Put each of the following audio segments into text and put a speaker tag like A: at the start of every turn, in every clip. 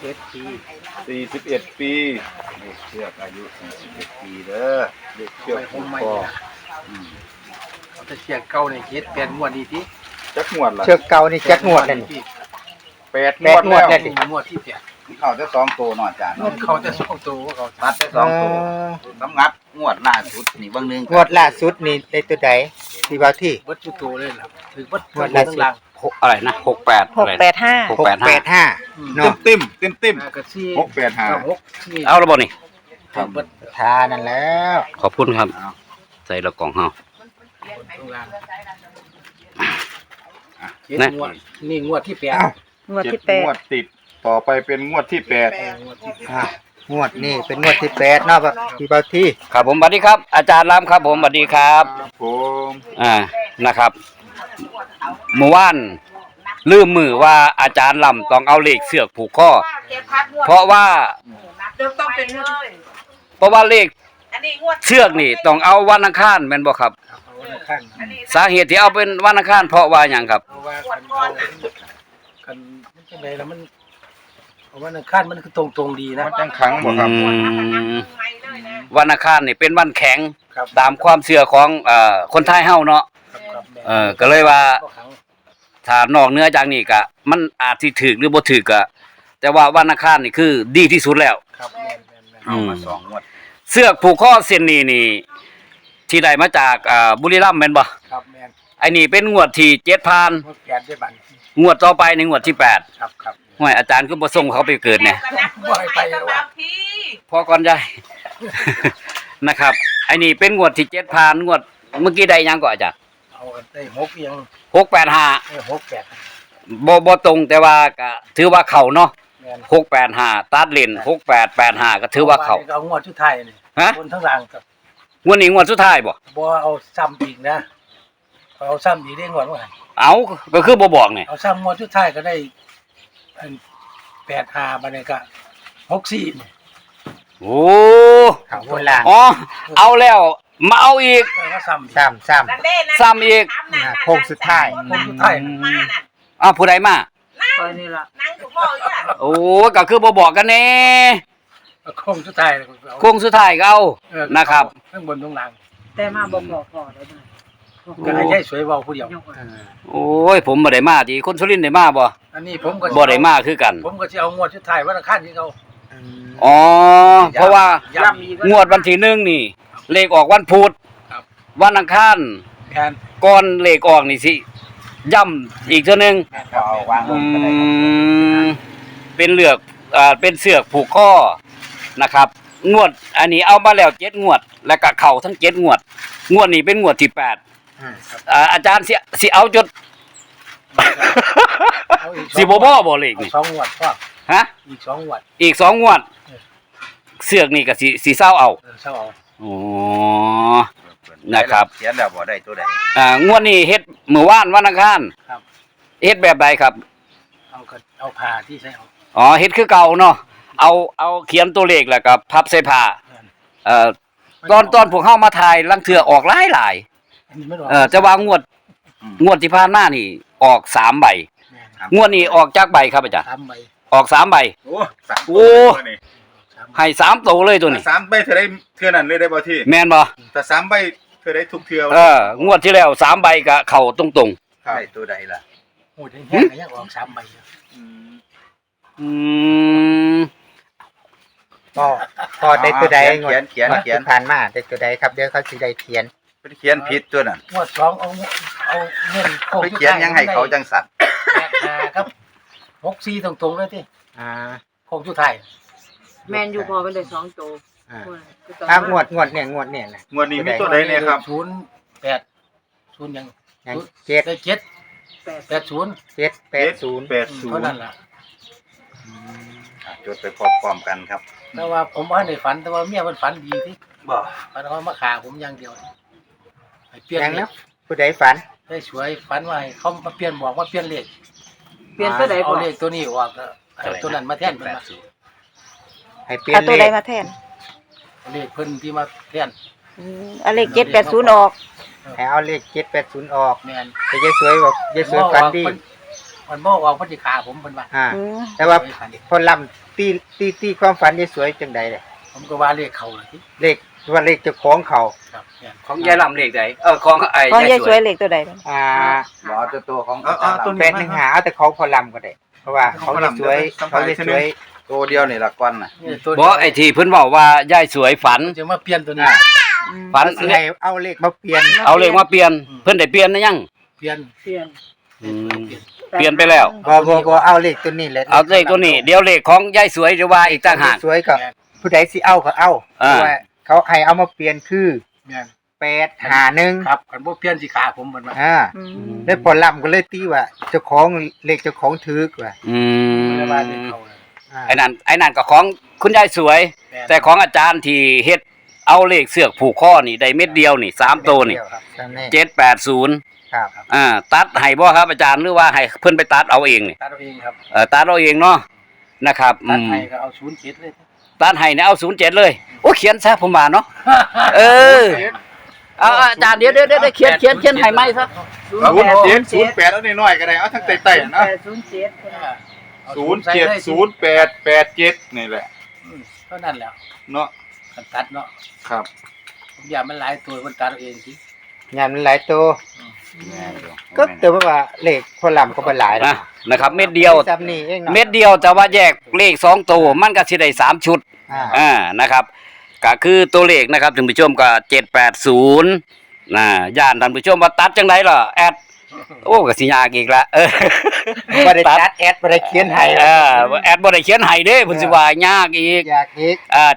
A: 41 ปีเลขเชือกอายุ41 ปีเด้อเลขเชือกผูกคอ
B: จะเชือกเก่าในเฮ็ด8 งวดนี่ติ
A: จักงวดล่ะ
C: เชือกเก่านี่จักงวดนั่น
A: 8 งวดแล้ว
B: งวดที่8
A: เข้าแต่2ตัวเนาะอาจารย์
B: เขาจะ2ตัวเขา
A: ตัดแต่2ตัวสำงัดงวดล่าสุดนี่เบิ่งนึง
C: งวดล่าสุดนี่ได้ตัวใดที่ว่าที่
B: เบิดทุกตัวเลยล่ะถือเบิด
C: งวดล่าสุด
D: อะไรนะ68อะไร
C: 685เนาะ
A: เต็ม685
D: เอาระบบนี่
C: ครับทานั่นแล้ว
D: ขอบคุณครับใส่ละกล่องเฮา
B: นี่งวดที่8
A: งวดติดต่อไปเป็นงวดที่8
C: งวดนี่เป็นงวดที่8เนาะพี่เบาที่
D: ครับผมสวัสดีครับอาจารย์รามครับผมสวัสดีครับ
A: ผม
D: นะครับเมื่อวานลืมมือว่าอาจารย์ลำต้องเอาเหล็กเสือกผูกข้อเพราะว่าเลขเชือกนี่ต้องเอาวันอังคารแม่นบ่ครับสาเหตุที่เอาเป็นวันอังคารเพราะว่าหยังครับ
B: กันจังได๋ล่ะมันวันอังคารมันคือตรงดีนะ
A: มันจังขังบ่ครับ
D: วันอังคารนี่เป็นวันแข็งตามความเชื่อของคนไทยเฮาเนาะก็เลยว่าถ้านอกเหนือจากนี้ก็มันอาจสิถูกหรือบ่ถูกก็แต่ว่าวันอังคารนี่คือดีที่สุดแล้ว
B: ครับ
A: เอามา2งวด
D: เสือกผูกข้อเส้นนี้นี่ที่ได้มาจากบุรีรัมย์แม่นบ่
B: ครับแม่น
D: ไอ้นี่เป็นงวดที่7ผ่านงวดต่อไปในงวดที่8
B: ครับ
D: ห้วยอาจารย์ก็บ่ส่งเขาไปเกิดเนี่ย
B: บ่ให้ไป
D: พอก่อนยายนะครับไอ้นี่เป็นงวดที่7ผ่านงวดเมื่อกี้ได้ยังก็อาจารย์
B: เอาได้6ยัง
D: 685บ่ตรงแต่ว่าก็ถือว่าเข้าเนาะ685ตัดเลน6885ก็ถือว่าเข้า
B: เอางวดสุดท้ายนี่คนทั้งหลังกับ
D: งวดนี้งวดสุดท้ายบ่
B: เอาซ้ำอีกนะเอาซ้ำอีกได้งวดว่า
D: เอาก็คือบ่บอกนี่
B: เอาซ้ำงวดสุดท้ายก็ได้85บัดนี้ก็64นี่
D: โอ้
C: เอาคนล่าง
D: อ๋อเอาแล้วมาเอาอีก
C: ซ้ำ
D: อีก
C: โค้งสุดท้าย
D: ผู้ใดมา
B: นี่ล่ะนั่งอยู่บ่อยู่อ่ะ
D: โอ้ก็คือบ่บอกกันแน่
B: โค้งสุดท้าย
D: ก็เอานะครับ
B: ข้างบนตรงหลัง
E: แต่มาบ่บอกพอได้บ่
B: ก็ให้ยายสวยเว้าผู้เดียว
D: โอ้ยผมบ่ได้มาติคนสุรินทร์ได้มาบ่
B: อันนี้ผมก็
D: บ่ได้มาคือกัน
B: ผมก็สิเอางวดสุดท้ายวันอังคารที่เขา
D: อ๋อเพราะว่างวดวันที่1นี่เลขออกวันพุธวันอังคารก่อนเลขออกนี่สิย่ำอีกเทื่อนึงเป็นเป็นเสือกผูกข้อนะครับงวดอันนี้เอามาแล้ว7งวดแล้วก็เข้าทั้ง7งวดนี้เป็นงวดที่8อาจารย์สิเอาจดสิบ่บ่เลขนี่
B: 2งวดพ่อ
D: ฮะ
B: อีก2งวด
D: เสือกนี่ก็สิเซาเอาอ๋อนะครับ
A: เขียนแล้วบ่ได้ตัวใด
D: งวดนี้เฮ็ดมื้อวานวันอังคาร
B: ครับ
D: เฮ็ดแบบใดครับ
B: เอาผ้าที่ใช้
D: อ๋อเฮ็ดคือเก่าเนาะเอาเขียนตัวเลขแล้วก็พับใส่ผ้าตอนพวกเฮามาถ่ายลังเทื่อออกหลายจะว่างวดที่ผ่านมานี่ออก3ใบงวดนี้ออกจักใบครับอาจารย์
B: 3ใบ
D: ออก3ใบโอ้ให้3โตเลยตัวนี้
A: 3ใบเท่าใดเทื่อนั้นเลยได้บ่ที่
D: แม่นบ่
A: ถ้า3ใบเท่าใดทุกเทื่
D: องวดที่แล้ว3ใบก็เข้าตรง
A: ๆได้ตัวใดล่ะ
B: โอ้ยแห้งๆก็ยังออก3ใบ
C: พอได้ตัวใดเขียนผ่านมาได้ตัวใดครับเดี๋ยวเขาสิได้เขียน
A: เป็นเขียนผิดตัวนั้น
B: งวด2เอาเงินโค
A: ไปเขียนยังให้เขาจังสั่น
B: ครับ64ตรงๆเลยติโคงสุดท้าย
E: แม่นอยู่พอเป็นได้2โต
C: งวดเนี่ย
A: งวดนี้มีตัวใดเนี่ยครับ
B: 0ยัง
C: 7
B: ได้780
C: เท่
A: า
B: นั้นล่ะ
A: จดไปพร้อมกันครับ
B: แต่ว่าผมบ่ได้ฝันแต่ว่าเมียมันฝันดีติ
A: บ่
B: ฝันว่ามาฆ่าผมอย่างเดียวให้เปลี่ยน
C: แล้วผู้ใดฝัน
B: ได้สวยฝันว่าเขามาเปลี่ยนบอกว่าเปลี่ยนเลข
E: ตัวใด
B: เอาเลขตัวนี้ออกตัวนั้นมาแทนเพิ่นมา
C: ให้เปลี่ยน
E: ตัวใดมาแทน
B: เลขเพิ่นที่มาแทน
E: เอาเลข780ออก
C: ให้เอาเลข780ออก
B: แม่น
C: แต่ยายสวยบอกยายสวยฝันดี
B: มันบ่ออกเพิ่นสิฆ่าผมเพิ่นว่า
C: แต่ว่าคนลตีความฝันได้สวยจังใดเลย
B: ผมก็ว่าเลขเขาเลยที่
C: เลขว่าเลขเจ้าของเขา
B: ครับเนี่ย
D: ของยายลำเลขใดของไอ้
E: ของยาย
D: ยาย
E: ส
D: ส
E: ว
D: วย ย
E: เลขตัวใดบ้าง
A: หมอตัวของ
C: แปดหนึ่งหาเอาแต่เขาพอลำก็ได้เพราะว่าเขาจะสวยเขาจะสวย
A: ตัวเดียวนี่ละก้อนน่ะ
B: นี่ตัว
D: บ่ไอ้ที่เพิ่นบอกว่ายายสวยฝัน
B: จะมาเปลี่ยนตัวนี้
D: ฝัน
C: สิให้เอาเลขมาเปลี่ยน
D: เอาเลขมาเปลี่ยนเพิ่นได้เปลี่ยนนะยัง
B: เปลี่ยน
E: เปลี่ยน
D: อืมเปลี่ยนไปแล้ว
C: บ่เอาเลขตัวนี้แหละ
D: เอาเลขตัวนี้เดี๋ยวเลขของยายสวยจะว่าอีกต่างหาก
C: สวยก็ผู้ใดสิเอาก็เอาเพราะว่าเขาให้เอามาเปลี่ยนคือ
B: แม่น
C: 851
B: ครับคันบ่เปลี่ยนสิขาผมมันว่า
C: ได้พอลำก็เลยตีว่าเจ้าของเลขเจ้าของถือกว่า
D: อืม
B: ไม่ได้ว่าเลขเขาเลย
D: ไอ้นั่นก็ของคุณยายสวย
B: ม่น
D: แต่ของอาจารย์ที่เฮ็ดเอาเลขเสือกผูกข้อนี่ได้เม็ดเดียวนี่3ตัวนี่
C: ครับจำแน่
D: 780
C: ครับ
D: ตัดให้บ่ครับอาจารย์หรือว่าให้เพิ่นไปตัดเอาเองนี่
B: ตัดเอาเองครับ
D: ตัดเอาเองเนาะนะครับอื
B: ตัด
D: ม
B: ให้ก็เอา07เลย
D: ตัดให้เนี่ยเอา07เลยโอ้เขียนซะผมว่าเนาะเออเอาอาจารย์เดี๋ยวเขียนให้ไหมซะ
A: 08แล้วน้อยๆก็ได้เอาทั้งใต้ๆนะ 070887นี่แหละ
B: เท่านั้นแหล้ว
A: เนาะ
B: กันตัดเนาะ
A: ครับ
B: ผมอยากมันหลายตัวมันตัดเอาเองสิ
C: งานมันหลายตัวก็แต่ว่าเลขพอลำก็บ่หลาย
D: นะครับเม็ดเดียว
C: จำนี่เองเนาะ
D: เม็ดเดียวแต่ว่าแยกเลข2ตัวมันก็สิได้3ชุด นะครับก็คือตัวเลขนะครับท่านผู้ชมก็780ย่านท่านผู้ชมว่าตัดจังไดล่ะแอดโอ้ก็สิยากอีกละ
C: บ่ได้ตัดแอดบ่ได้เขียนให้
D: แอดบ่ได้เขียนให้เด้เพิ่นสิว่ายากอีก
C: อยากอีก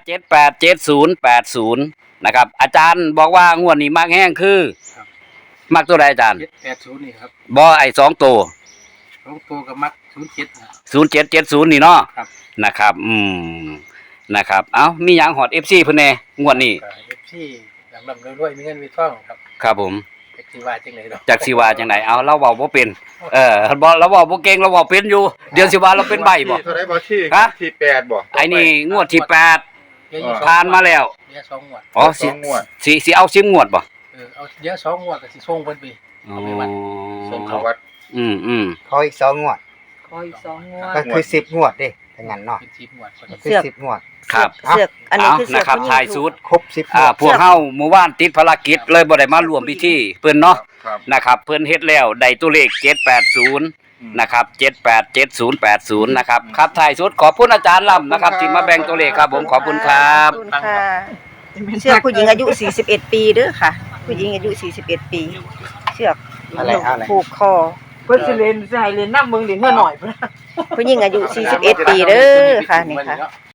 D: 787080นะครับอาจารย์บอกว่างวดนี้มักแห้งคือมักตัวใดอาจารย์
B: 780นี่ครับ
D: บ่ไอ้2ตัว
B: 2ตัวก็มัก07นะ
D: 0770นี่เนาะ
B: ครับ
D: นะครับนะครับเอ้ามีหยังฮอด FC เพิ่นแน่งวดนี้
B: ก็ FC ลำๆรวยๆมีเงินมีทองครับ
D: ครับผม
B: จักสิว่าจังไดดอก
D: จักสิว่าจังไดเอาเราเว้าบ่เป็นบ่เราเว้าบ่เก่งเราเว้าเป็นอยู่เดี๋ยวสิว่าเราเป็นใบบ่
A: เท่าไหร่บ่ที่
D: ฮะ
A: ที่8บ่
D: ไอ้นี่งวดที่8
B: เดี๋ยวอยู่สอง
D: ผ่านมาแล้ว
B: เดี๋ยว2งวด
D: อ๋อสิ
A: สองงวด
D: สิเอา10งวดบ่
B: เอาเดี๋ยว2งวดก็สิส่งเพิ่นไป
D: อ๋อ
A: ส่งเข้าวัด
D: อืม
C: ขออีก2งวด
E: ขออีก2งวด
C: ก็คือ10งวดเด้ถ้างั้นเนาะ
B: เป็น10งวดพอ
C: ก็
B: ดี
C: คือ10งวด
D: ครับ
E: เสือกอันนี้คือเสือก
D: นะครับ
E: ผู้หญิง
D: ถ่ายสูตร
C: ครบ10งวด
D: พวกเฮาเมื่อวานติดภารกิจเลยบ่ได้มาร่วมพิธีเพิ่นเนาะ
A: ครับ
D: นะครับเพิ่นเฮ็ดแล้วได้ตัวเลข780นะครับ787080นะครับครับถ่ายสุดขอบคุณอาจารย์ล่ำนะครับที่มาแบ่งตัวเลขครับผมขอบคุณครับ
E: ขอบคุณค่ะเชือกผู้หญิงอายุ41ปีเด้อค่ะ ผู้หญิงอายุ41ปีเชือก
C: อะไร
E: ผูกคอ
F: เพิ่นสิเล่นสิให้เล่นน้ำเบิ่งเล่นเมื่อหน่อยพุ่น
E: ผู้หญิงอายุ41ปีเด้อค่ะนี่ค่ะ